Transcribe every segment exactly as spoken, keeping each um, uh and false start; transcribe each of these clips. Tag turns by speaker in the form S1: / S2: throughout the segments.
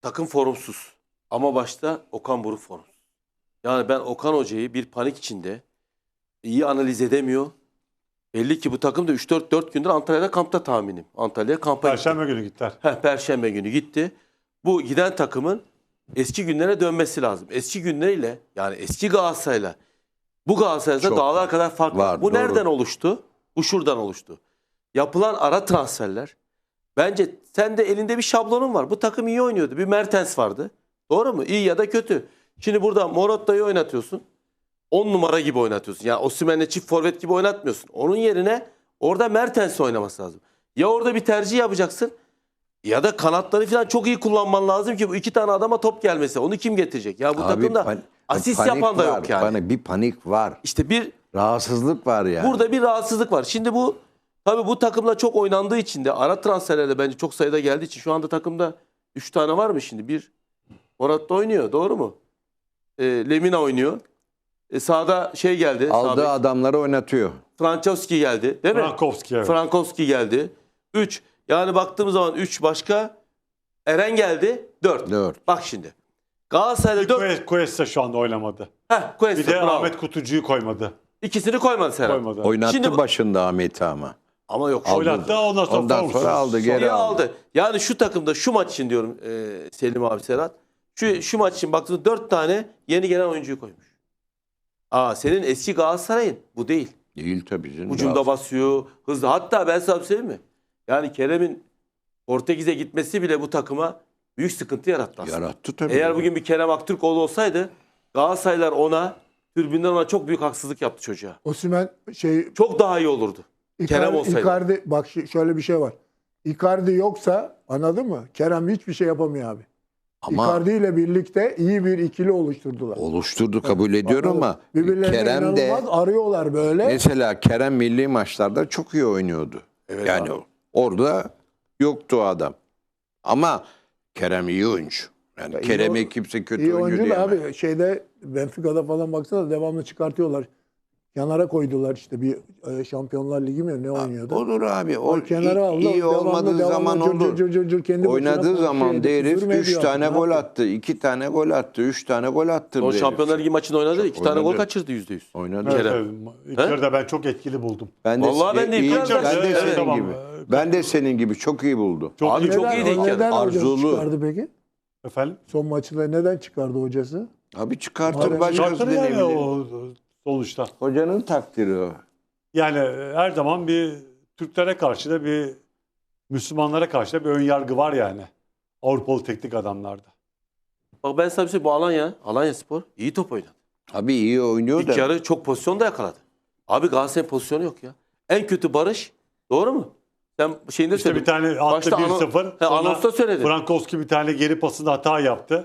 S1: takım formsuz. Ama başta Okan Buruk formsuz. Yani ben Okan Hoca'yı bir panik içinde iyi analiz edemiyor. Belli ki bu takım da üç dört dört gündür Antalya'da kampta tahminim. Antalya'ya kampa gitti.
S2: Perşembe günü gittiler.
S1: Heh, Perşembe günü gitti. Bu giden takımın eski günlere dönmesi lazım. Eski günleriyle yani eski Galatasaray'la bu Galatasaray'da
S3: Çok
S1: dağlar kadar fark var.
S3: var,
S1: Bu
S3: doğru.
S1: nereden oluştu? Bu şuradan oluştu. Yapılan ara transferler. Bence sen de elinde bir şablonun var. Bu takım iyi oynuyordu. Bir Mertens vardı. Doğru mu? İyi ya da kötü. Şimdi burada Morata'yı oynatıyorsun. on numara gibi oynatıyorsun. Yani Osimhen'le çift forvet gibi oynatmıyorsun. Onun yerine orada Mertens oynaması lazım. Ya orada bir tercih yapacaksın ya da kanatları falan çok iyi kullanman lazım ki bu iki tane adama top gelmesi. Onu kim getirecek? Ya bu
S3: Abi,
S1: takımda
S3: pan-
S1: asist
S3: panik
S1: yapan da
S3: var,
S1: yok yani.
S3: Panik, bir panik var.
S1: İşte bir
S3: Rahatsızlık var yani.
S1: burada bir rahatsızlık var. Şimdi bu tabii bu takımla çok oynandığı için de ara transferlerde bence çok sayıda geldiği için şu anda takımda üç tane var mı şimdi? Bir Morata oynuyor, doğru mu? E, Lemina oynuyor. E, sağda şey geldi.
S3: Aldığı
S1: sağ bek.
S3: adamları oynatıyor.
S1: Frankowski geldi, değil mi?
S2: Frankowski, evet.
S1: Frankowski geldi. üç. Yani baktığımız zaman üç başka. Eren geldi. dört.
S3: Dört.
S1: Bak şimdi. Galatasaray'da dört.
S2: Quest- Quest şu anda oynamadı.
S1: Heh,
S2: Bir
S1: Cuesta,
S2: de
S1: bravo.
S2: Ahmet Kutucu'yu koymadı.
S1: İkisini koymadı Serhat.
S2: Koymadı.
S3: Oynattı
S1: Şimdi bu-
S3: başında Ahmet'i ama.
S1: Ama yok.
S3: Aldı.
S2: Oynattı ondan sonra,
S3: Ondan
S2: formsuz.
S3: sonra aldı, geri
S1: Geri
S3: aldı.
S1: aldı. Yani şu takımda şu maç için diyorum e, Selim abi Serhat. Şu, şu maç için baktığında dört tane yeni gelen oyuncuyu koymuş. Aa, senin eski Galatasaray'ın bu değil.
S3: Değil tabii canım.
S1: Ucunda basıyor, hızlı. Hatta ben sana bir söyleyeyim mi? Yani Kerem'in Portekiz'e gitmesi bile bu takıma büyük sıkıntı yarattı aslında.
S3: Yarattı tabii.
S1: Eğer bugün bir Kerem Aktürkoğlu olsaydı Galatasaraylar ona, tribünden ona çok büyük haksızlık yaptı çocuğa.
S4: Osimhen şey
S1: Çok daha iyi olurdu. Kerem
S4: Icardi,
S1: olsaydı.
S4: Icardi bak ş- şöyle bir şey var. Icardi yoksa anladın mı? Kerem hiçbir şey yapamıyor abi.
S3: Ama
S4: Icardi ile birlikte iyi bir ikili oluşturdular.
S3: oluşturdu, kabul ediyorum ama
S4: Birbirlerine
S3: Kerem de
S4: inanılmaz arıyorlar böyle.
S3: mesela Kerem milli maçlarda çok iyi oynuyordu.
S1: Evet
S3: yani
S1: abi.
S3: orada yoktu o adam. Ama Kerem iyi oyuncu. Yani
S4: Ya iyi
S3: Kerem'i
S4: o-
S3: kimse kötü
S4: İyi
S3: oyuncu
S4: oyuncu da
S3: diyemez.
S4: abi şeyde Benfica'da falan baksana devamlı çıkartıyorlar. Kenara koydular işte bir e, Şampiyonlar Ligi mi ne oynuyordu?
S3: Olur abi. O
S4: O kenara aldı.
S3: iyi, iyi
S4: devamlı,
S3: olmadığı
S4: devamlı
S3: zaman
S4: cır
S3: olur.
S4: cır cır cır kendi başına
S3: Oynadığı
S4: konuşuyor,
S3: zaman de herif
S4: küfür mü
S3: üç
S4: ediyor
S3: tane
S4: artık, ne
S3: gol
S4: yapıyor?
S3: attı, iki tane gol attı, üç tane gol attı.
S1: O Şampiyonlar Ligi maçını oynadı. iki tane gol
S3: oynadı.
S1: kaçırdı yüzde yüz.
S3: Oynadı.
S2: Evet,
S1: Kerem.
S2: evet. İlk yarıda ben çok etkili buldum.
S3: Ben de,
S1: Vallahi ben de
S3: iyi-
S1: ilk yarıda-
S3: ben de
S1: Evet,
S3: senin
S2: tamam.
S3: gibi. Ben de senin gibi çok iyi buldum.
S2: Çok
S1: Abi
S2: iyi.
S1: çok
S4: Neden-
S1: iyiydi ilk yarı.
S4: Neden hocası
S3: Arzulu.
S4: çıkardı peki?
S2: Efendim?
S4: Son maçta neden çıkardı hocası?
S3: Abi çıkartır
S4: Madem
S3: başkası
S2: Şartları yani
S3: denebilir.
S2: o sonuçta.
S3: Hocanın takdiri o.
S2: Yani her zaman bir Türklere karşı da bir Müslümanlara karşı da bir ön yargı var yani. Avrupalı teknik adamlarda.
S1: Bak ben sana bir şey bu Alanya, Alanya Spor iyi top oynadı.
S3: Abi iyi oynuyor
S1: İlk
S3: da.
S1: yarı çok pozisyon da yakaladı. Abi Galatasaray'ın pozisyonu yok ya. En kötü Barış. Doğru mu? Sen şeyinde
S2: İşte bir
S1: söyledin.
S2: tane attı
S1: Başta
S2: bir
S1: ano-
S2: sıfır.
S1: He, anonsta söyledin.
S2: Frankowski bir tane geri pasında hata yaptı.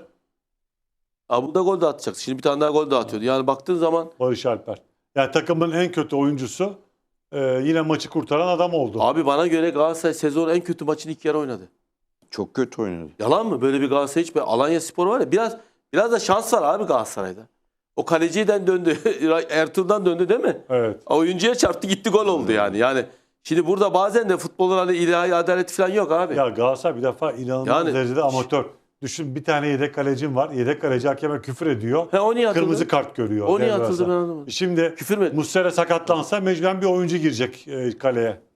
S1: Abi bu da gol de atacaktı. Şimdi bir tane daha gol de atıyordu. Yani baktığın zaman
S2: Barış Alper. Yani takımın en kötü oyuncusu e, yine maçı kurtaran adam oldu.
S1: abi bana göre Galatasaray sezonun en kötü maçını ilk yarı oynadı.
S3: Çok kötü oynadı.
S1: Yalan mı? Böyle bir Galatasaray hiç. Alanya Spor var ya biraz biraz da şans var abi Galatasaray'da. O kaleciden döndü. Ertuğrul'dan döndü değil mi?
S2: Evet.
S1: Oyuncuya çarptı gitti gol oldu yani. Yani şimdi burada bazen de futbolun hani ilahi adaleti falan yok abi.
S2: Ya Galatasaray bir defa inanılmaz
S1: Yani-
S2: derecede amatör. Düşün bir tane yedek kalecim var. Yedek kaleci hakeme küfür ediyor.
S1: He, o niye atıldı?
S2: Kırmızı kart görüyor.
S1: O niye
S2: devre
S1: atıldı
S2: arasında.
S1: ben anlamadım.
S2: Şimdi
S1: Küfür mü etti?
S2: Muslera sakatlansa mecburen bir oyuncu girecek e, kaleye.